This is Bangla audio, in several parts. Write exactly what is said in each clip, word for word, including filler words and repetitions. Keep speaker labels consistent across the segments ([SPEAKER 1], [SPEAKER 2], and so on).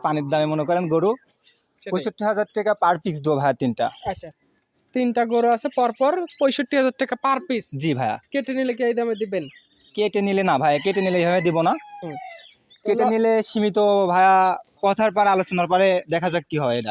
[SPEAKER 1] পানির দামে মনে করেন গরু পঁয়ষট্টি হাজার টাকা পার পিস দেবো ভাইয়া তিনটা।
[SPEAKER 2] আচ্ছা, তিনটা গরু আছে পরপর পঁয়ষট্টি হাজার টাকা পার পিস।
[SPEAKER 1] জি ভাইয়া।
[SPEAKER 2] কেটে নিলে কি এই দামে দিবেন?
[SPEAKER 1] কেটে নিলে না ভাইয়া, কেটে নিলে এইভাবে দিব না।
[SPEAKER 2] হুম।
[SPEAKER 1] কেটে নিলে সীমিত ভাইয়া, কথার পর আলোচনার পরে দেখা যাক কি হয়। এটা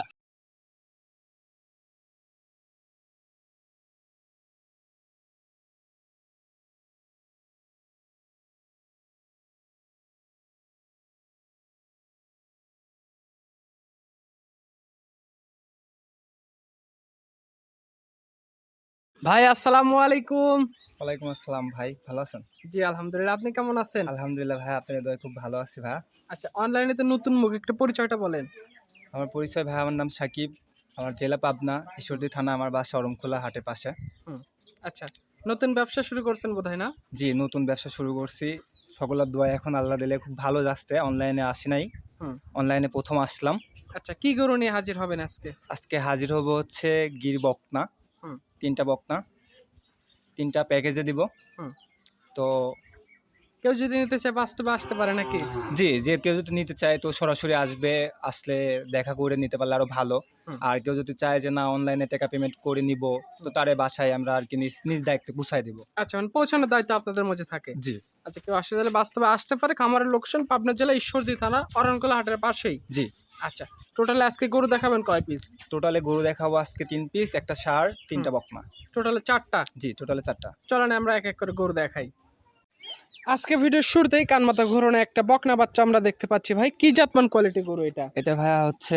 [SPEAKER 2] ভাই আসসালামু আলাইকুম।
[SPEAKER 1] ওয়ালাইকুম আসসালাম ভাই, ভালো আছেন?
[SPEAKER 2] জি আলহামদুলিল্লাহ, আপনি কেমন আছেন?
[SPEAKER 1] আলহামদুলিল্লাহ ভাই, আপনার দোয়ায় খুব ভালো আছি ভাইয়া।
[SPEAKER 2] আচ্ছা, অনলাইনে তো নতুন মুখ, একটা পরিচয়টা বলেন।
[SPEAKER 1] আমার পরিচয় ভাই, আমার নাম সাকিব, আমার জেলা পাবনা, ঈশ্বরদী থানা, আমার বাসা অরমখোলা হাটের পাশে।
[SPEAKER 2] হুম। আচ্ছা, নতুন ব্যবসা শুরু করছেন বোধহয় না?
[SPEAKER 1] জি, নতুন ব্যবসা শুরু করছি। সকলের দোয়া এখন আল্লাহ দিলে খুব ভালো যাচ্ছে। অনলাইনে আসি নাই,
[SPEAKER 2] হুম।
[SPEAKER 1] অনলাইনে প্রথম আসলাম।
[SPEAKER 2] আচ্ছা, কি গরু নিয়ে হাজির হবেন আজকে?
[SPEAKER 1] আজকে হাজির হব হচ্ছে গির বকনা।
[SPEAKER 2] হুম।
[SPEAKER 1] তিনটা বকনা, তিনটা প্যাকেজে দিব।
[SPEAKER 2] হুম।
[SPEAKER 1] তো
[SPEAKER 2] কেউ যদি নিতে চায় বাস্তবে আসতে পারে নাকি?
[SPEAKER 1] জি, যে কেউ যদি নিতে চায় তো সরাসরি আসবে, আসলে দেখা করে নিতে পারলে আরো ভালো।
[SPEAKER 2] হুম।
[SPEAKER 1] আর কেউ যদি চায় যে না অনলাইনে টাকা পেমেন্ট করে নিব, তো তারে বাসায় আমরা আর কি নিজ নিজ দায়িত্বে পৌঁছায় দিব।
[SPEAKER 2] আচ্ছা, মানে পৌঁছানোর দায়িত্ব আপনাদের মধ্যে থাকে।
[SPEAKER 1] জি
[SPEAKER 2] আচ্ছা, কেউ আসতে চাইলে বাস্তবে আসতে পারে। খামারের লোকেশন পাবনা জেলা ঈশ্বরদী থানা অরণকোলা হাটের পাশেই।
[SPEAKER 1] জি।
[SPEAKER 2] আচ্ছা, টোটালে আজকে গরু দেখাবেন কয় পিস?
[SPEAKER 1] টোটালে গরু দেখাবো আজকে তিন পিস, একটা ষাঁড়, তিনটা বকনা।
[SPEAKER 2] টোটালে চারটা।
[SPEAKER 1] জি, টোটালে চারটা।
[SPEAKER 2] চলেন আমরা এক এক করে গরু দেখাই। আজকে ভিডিওর শুরুতেই কানমাথা ঘোরানো একটা বকনা বাচ্চা আমরা দেখতে পাচ্ছি। ভাই কি জাতমান কোয়ালিটি গরু এটা?
[SPEAKER 1] এটা ভাইয়া হচ্ছে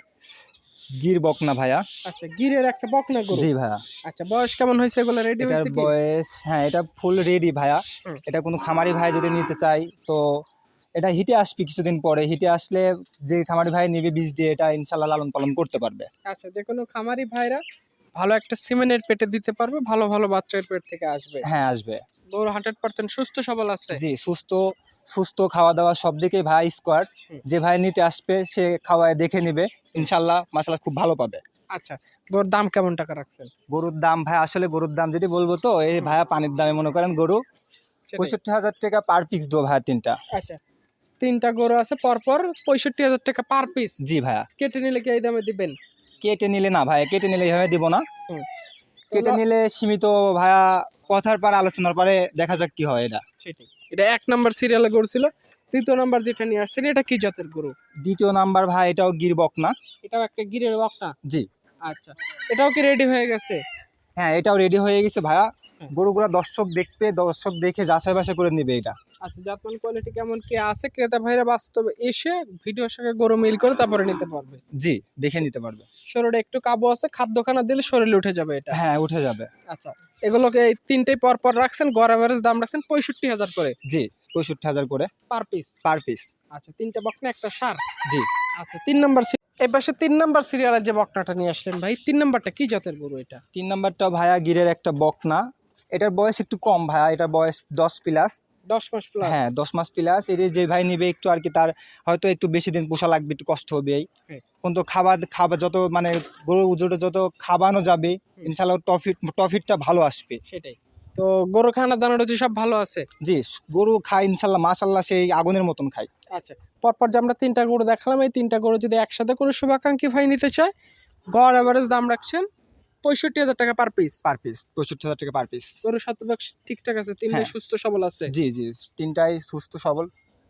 [SPEAKER 1] গির বকনা ভাইয়া।
[SPEAKER 2] আচ্ছা, গিরের একটা বকনা গরু।
[SPEAKER 1] জি ভাইয়া।
[SPEAKER 2] আচ্ছা, বয়স কেমন হয়েছে, এগুলো রেডি
[SPEAKER 1] এটার
[SPEAKER 2] হয়েছে কি?
[SPEAKER 1] বয়স, হ্যাঁ এটা ফুল রেডি ভাইয়া।
[SPEAKER 2] হুম।
[SPEAKER 1] এটা কোনো খামারি ভাই যদি নিতে চাই তো এটা হিটে আসবে কিছুদিন পরে। হিটে আসলে যে খামারি ভাই নিবে বীজ দিয়ে, এটা ইনশাল্লাহ লালন পালন করতে পারবে।
[SPEAKER 2] আচ্ছা, যে কোনো খামারি ভাইরা ভালো একটা সিমেন্টের পেটে দিতে পারবে, ভালো ভালো বাচ্চার পেট থেকে আসবে।
[SPEAKER 1] হ্যাঁ আসবে।
[SPEAKER 2] গরু হান্ড্রেড পার্সেন্ট সুস্থ সবল আছে।
[SPEAKER 1] জি, সুস্থ সুস্থ খাওয়া দাওয়া সব দিকেই ভাই স্কোয়াড।
[SPEAKER 2] হুম।
[SPEAKER 1] যে ভাই নিতে আসবে সে খাওয়ায় দেখে নিবে, ইনশাল্লাহ মাশাআল্লাহ খুব ভালো পাবে।
[SPEAKER 2] আচ্ছা, গরুর দাম কেমন টাকা রাখছেন?
[SPEAKER 1] গরুর দাম ভাই, আসলে গরুর দাম যদি বলবো তো এই ভাইয়া পানির দামে মনে করেন গরু
[SPEAKER 2] সেটাই।
[SPEAKER 1] পঁয়ষট্টি হাজার টাকা পার পিস দেবো ভাইয়া তিনটা।
[SPEAKER 2] আচ্ছা, তিনটা গরু আছে পরপর পঁয়ষট্টি হাজার টাকা পার পিস।
[SPEAKER 1] জি ভাইয়া।
[SPEAKER 2] কেটে নিলে কি এই দামে দিবেন?
[SPEAKER 1] কেটে নিলে না ভাইয়া, কেটে নিলে এইভাবে দিব না।
[SPEAKER 2] হুম।
[SPEAKER 1] কেটে নিলে সীমিত ভাইয়া, কথার পর আলোচনার পরে দেখা যাক কি হয়। এটা
[SPEAKER 2] সেটাই। এটা এক নাম্বার সিরিয়ালে গরু ছিল। দ্বিতীয় নাম্বার যেটা নিয়ে আসছেন এটা কি জাতের গরু?
[SPEAKER 1] দ্বিতীয় নাম্বার ভাই, এটাও গির বকনা।
[SPEAKER 2] এটাও একটা গিরের বকনা।
[SPEAKER 1] জি।
[SPEAKER 2] আচ্ছা, এটাও কি রেডি হয়ে গেছে?
[SPEAKER 1] হ্যাঁ, এটাও রেডি হয়ে গেছে ভাইয়া।
[SPEAKER 2] হ্যাঁ।
[SPEAKER 1] গরুগুলা দর্শক দেখবে, দর্শক দেখে যাচাই বাছাই করে নিবে এটা।
[SPEAKER 2] আচ্ছা, জাতমান কোয়ালিটি কেমন কি আছে, ক্রেতা ভাইরা বাস্তবে এসে ভিডিওর সঙ্গে গরু মিল করে তারপরে নিতে পারবে।
[SPEAKER 1] জি, দেখে নিতে পারবে।
[SPEAKER 2] শরীরে একটু কাবু আছে, খাদ্যখানা দিলে শরীরে উঠে যাবে এটা।
[SPEAKER 1] হ্যাঁ, উঠে যাবে।
[SPEAKER 2] আচ্ছা, এগুলোকে এই তিনটেই পর পর রাখছেন, গড় এভারেজ দাম রাখছেন পঁয়ষট্টি হাজার করে
[SPEAKER 1] জি, পঁয়ষট্টি হাজার করে
[SPEAKER 2] পার পিস।
[SPEAKER 1] Per piece.
[SPEAKER 2] আচ্ছা, তিনটা বকনা একটা ষাঁড়।
[SPEAKER 1] জি।
[SPEAKER 2] আচ্ছা, তিন নম্বর এই পাশে তিন নম্বর সিরিয়ালের যে বকনাটা নিয়ে আসলেন ভাই, তিন নম্বরটা কি জাতের গরু এটা?
[SPEAKER 1] তিন নাম্বারটা ভাইয়া গিরের একটা বকনা। এটার বয়স একটু কম ভাইয়া, এটার বয়স দশ প্লাস।
[SPEAKER 2] দশ মাস প্লাস।
[SPEAKER 1] হ্যাঁ, দশ মাস প্লাস। এর যে ভাই নিবে একটু আর কি, তার হয়তো একটু বেশি দিন পোষা লাগবে, একটু কষ্ট হবে এই।
[SPEAKER 2] হ্যাঁ।
[SPEAKER 1] কিন্তু খাবার খাবার যত মানে গরু জোরে যত খাওয়ানো যাবে ইনশাল্লাহ প্রফিট প্রফিটটা ভালো আসবে।
[SPEAKER 2] সেটাই। তো গরু খানা দানা রুচি সব ভালো আছে?
[SPEAKER 1] জি, গরু খায় ইনশাল্লাহ মাশাল্লাহ, সেই আগুনের মতন খায়।
[SPEAKER 2] আচ্ছা, পরপর যে আমরা তিনটা গরু দেখালাম, এই তিনটা গরু যদি একসাথে কোনো শুভাকাঙ্ক্ষী ভাই নিতে চায়, গড় এভারেজ দাম রাখছেন পঁয়ষট্টি হাজার টাকা পার পিস।
[SPEAKER 1] পার পিস পঁয়ষট্টি হাজার টাকা পার পিস।
[SPEAKER 2] গরু শতভাগ ঠিকঠাক আছে, তিনটাই
[SPEAKER 1] হ্যাঁ।
[SPEAKER 2] সুস্থ সবল আছে।
[SPEAKER 1] জি জি, তিনটাই সুস্থ সবল।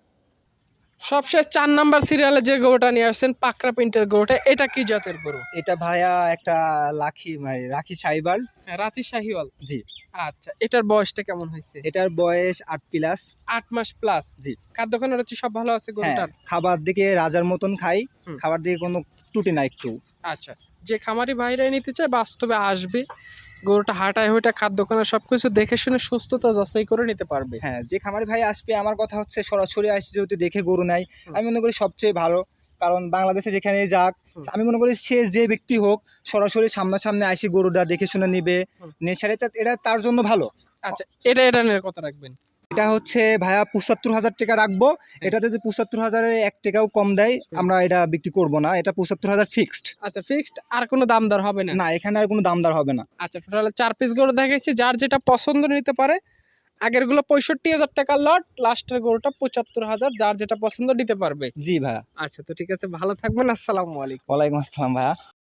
[SPEAKER 2] সবশেষ চার নাম্বার সিরিয়ালে যে গরুটা নিয়ে আসছেন পাকড়া প্রিন্টের গরুটা, এটা কি জাতের গরু?
[SPEAKER 1] এটা ভাইয়া একটা লাখি ভাই, রাখি সাইবার।
[SPEAKER 2] হ্যাঁ, রাতি শাহিওয়াল।
[SPEAKER 1] জি।
[SPEAKER 2] আচ্ছা, এটার বয়সটা কেমন হয়েছে?
[SPEAKER 1] এটার বয়স আট প্লাস।
[SPEAKER 2] আট মাস প্লাস।
[SPEAKER 1] জি।
[SPEAKER 2] খাদ্যখানা রুচি সব ভালো আছে
[SPEAKER 1] হ্যাঁ,
[SPEAKER 2] গরুটার?
[SPEAKER 1] খাবার দিকে রাজার মতন খাই।
[SPEAKER 2] হুম।
[SPEAKER 1] খাবার দিকে কোনো ত্রুটি নাই একটু।
[SPEAKER 2] আচ্ছা, যে খামারি ভাইরাই নিতে চায় বাস্তবে আসবে, গরুটা হাঁটায় হইটা খাদ্যখানা সবকিছু দেখে শুনে সুস্থতা যাচাই করে নিতে পারবে।
[SPEAKER 1] হ্যাঁ, যে খামারি ভাই আসবে, আমার কথা হচ্ছে সরাসরি আসে যেহেতু দেখে গরু নেয়,
[SPEAKER 2] হুম।
[SPEAKER 1] আমি মনে করি সবচেয়ে ভালো। কারণ বাংলাদেশে যেখানে যাক,
[SPEAKER 2] হুম।
[SPEAKER 1] আমি মনে করি সে যে ব্যক্তি হোক সরাসরি সামনাসামনি আসি গরুটা দেখে শুনে নিবে,
[SPEAKER 2] হুম।
[SPEAKER 1] নেচারে এটা তার জন্য ভালো।
[SPEAKER 2] আচ্ছা, এটা এটা নিয়ে কত রাখবেন?
[SPEAKER 1] এটা হচ্ছে ভাইয়া পঁচাত্তর হাজার টাকা রাখবো। এটা যদি পঁচাত্তর হাজারে এক টাকাও কম দেয় আমরা এটা বিক্রি করবো না, এটা পঁচাত্তর হাজার ফিক্সড।
[SPEAKER 2] আচ্ছা, ফিক্সড, আর কোনো দাম দর হবে না?
[SPEAKER 1] না, এখানে আর কোনো দামদার হবে না।
[SPEAKER 2] আচ্ছা, টোটাল চার পিস গরু দেখাইছি, যার যেটা পছন্দ নিতে পারে। আগের গুলো পঁয়ষট্টি হাজার টাকার লট, লাস্টের গরুটা পঁচাত্তর হাজার, যার যেটা পছন্দ নিতে পারবে।
[SPEAKER 1] জি ভাইয়া।
[SPEAKER 2] আচ্ছা, তো ঠিক আছে, ভালো থাকবেন, আসসালামু আলাইকুম।
[SPEAKER 1] ওয়ালাইকুম আসসালাম ভাইয়া।